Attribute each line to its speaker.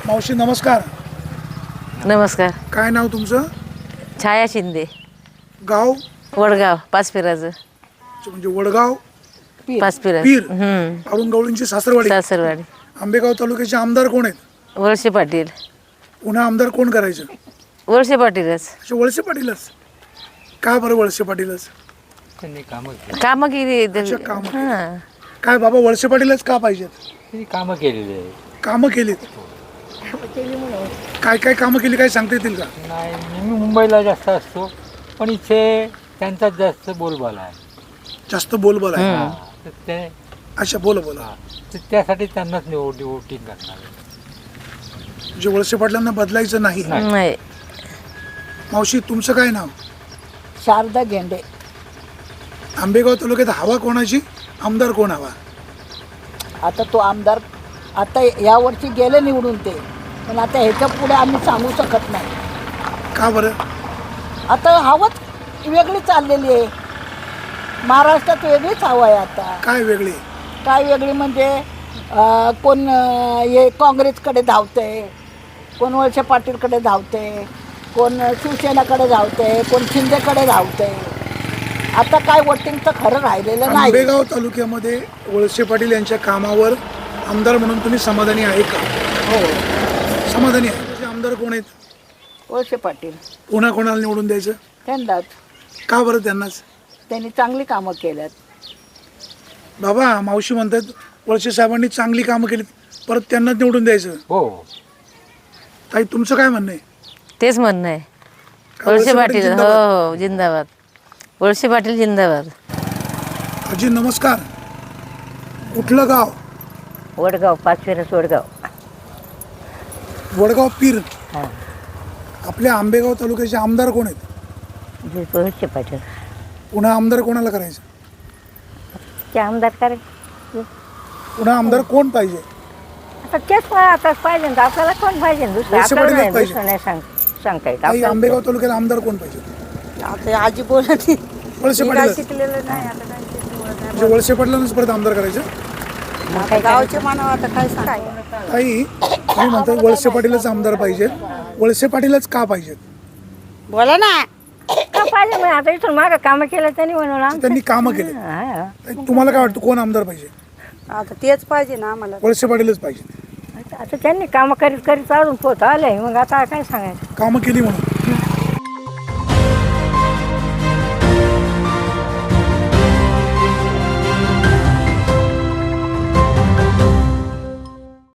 Speaker 1: मावशी नमस्कार.
Speaker 2: नमस्कार.
Speaker 1: काय नाव तुमचं?
Speaker 2: छाया शिंदे.
Speaker 1: गाव?
Speaker 2: वडगाव पाचपिराचं.
Speaker 1: म्हणजे वडगाव
Speaker 2: पाचपिरा.
Speaker 1: पीर अरुण गवळींची सासरवाडी.
Speaker 2: सासरवाडी.
Speaker 1: आंबेगाव तालुक्याचे आमदार कोण आहेत?
Speaker 2: वळसे पाटील.
Speaker 1: पुन्हा आमदार कोण करायचं?
Speaker 2: वळसे पाटीलच.
Speaker 1: अच्छा, वळसे पाटीलच. का बरं वळसे पाटीलच?
Speaker 2: कामं केली.
Speaker 1: अच्छा, कामं केली.
Speaker 2: हां.
Speaker 1: काय बाबा वळसे पाटीलच का पाहिजेत?
Speaker 3: कामं केलेली आहे.
Speaker 1: कामं केलीत. काय काय कामं केली काय सांगता येतील का?
Speaker 3: नाही, मी मुंबईला जास्त असतो, पण इथे त्यांचाच जास्त बोलबाला आहे.
Speaker 1: जास्त बोलबाल आहे.
Speaker 3: हां, तर ते
Speaker 1: अच्छा, बोला.
Speaker 3: तर त्यासाठी त्यांनाच वोटिंग करणार आहे.
Speaker 1: म्हणजे वळसे पाटलांना बदलायचं नाही.
Speaker 2: नाही.
Speaker 1: मावशी तुमचं काय नाव?
Speaker 4: शारदा गेंडे.
Speaker 1: आंबेगाव तालुक्यात हवा कोणाची? आमदार कोण हवा?
Speaker 4: आता तो आमदार आता यावर्षी गेले निवडून ते, पण आता ह्याच्या पुढे आम्ही सांगू शकत नाही.
Speaker 1: का बरं?
Speaker 4: आता हवाच वेगळी चाललेली आहे. महाराष्ट्रात वेगळीच हवा आहे आता.
Speaker 1: काय वेगळे?
Speaker 4: काय वेगळी म्हणजे कोण हे काँग्रेसकडे धावतंय, कोण वळसे पाटीलकडे धावतंय, कोण शिवसेनाकडे धावतंय, कोण शिंदेकडे धावतंय. आता काय वोटिंगचं खरं राहिलेलं नाही.
Speaker 1: आंबेगाव तालुक्यामध्ये वळसे पाटील यांच्या कामावर आमदार म्हणून तुम्ही समाधानी आहे का?
Speaker 4: हो,
Speaker 1: समाधानी आहे. त्याचे आमदार कोण आहेत?
Speaker 4: वळसे पाटील.
Speaker 1: पुन्हा कोणाला निवडून द्यायचं?
Speaker 4: त्यांनाच.
Speaker 1: का बरं त्यांनाच?
Speaker 4: त्यांनी चांगली कामं केल्यात.
Speaker 1: बाबा मावशी म्हणतात वळसे साहेबांनी चांगली कामं केलीत, परत त्यांनाच निवडून द्यायचं.
Speaker 3: हो,
Speaker 1: ताई तुमचं काय म्हणणं आहे?
Speaker 2: तेच म्हणणं आहे.
Speaker 1: का
Speaker 2: वळसे पाटील. हो
Speaker 1: जिंदाबाद?
Speaker 2: हो जिंदाबाद. वळसे पाटील जिंदाबाद.
Speaker 1: आजी नमस्कार. कुठलं गाव?
Speaker 5: वडगाव पाचपिरास वडगाव.
Speaker 1: वडगाव पीर.
Speaker 5: हां.
Speaker 1: आपल्या आंबेगाव तालुक्याचे आमदार कोण आहेत?
Speaker 5: वळसे पाटील.
Speaker 1: पुन्हा आमदार कोणाला करायचं?
Speaker 5: ते आमदार करायचे.
Speaker 1: पुन्हा आमदार कोण पाहिजे?
Speaker 5: आता तेच आता पाहिजे ना, आपल्याला कोण पाहिजे दुसरं?
Speaker 1: वळसे
Speaker 5: आपल्याला
Speaker 1: पाटीलच
Speaker 5: नाही,
Speaker 1: पाहिजे.
Speaker 5: दुसरं नाही सांगता येत
Speaker 1: ताई
Speaker 5: आपल्याला.
Speaker 1: आंबेगाव तालुक्याला आमदार कोण पाहिजे?
Speaker 4: आता आजी बोलत
Speaker 1: वळसे पाटील.
Speaker 4: शिकलेलं नाही. आता काय शिकलेलं
Speaker 1: म्हणजे वळसे पाटलांनाच परत आमदार करायचं?
Speaker 4: नाही. गावचे मानव आता काय सांगायचं.
Speaker 1: ताई तुम्ही म्हणता वळसे पाटीलच आमदार पाहिजेत. वळसे पाटीलच का पाहिजेत?
Speaker 4: बोला ना.
Speaker 5: का पाहिजे मग? आता इथून मागं कामं केलं त्यांनी म्हणून आमचं.
Speaker 1: त्यांनी कामं केले.
Speaker 5: हां.
Speaker 1: ताई, तुम्हाला काय वाटतं कोण आमदार पाहिजे?
Speaker 4: आता तेच पाहिजे ना आम्हाला.
Speaker 1: वळसे पाटीलच पाहिजे.
Speaker 5: आता त्यांनी कामं करीत करीत अजून पोत आले, मग आता काय सांगायचं.
Speaker 1: कामं केली म्हणून.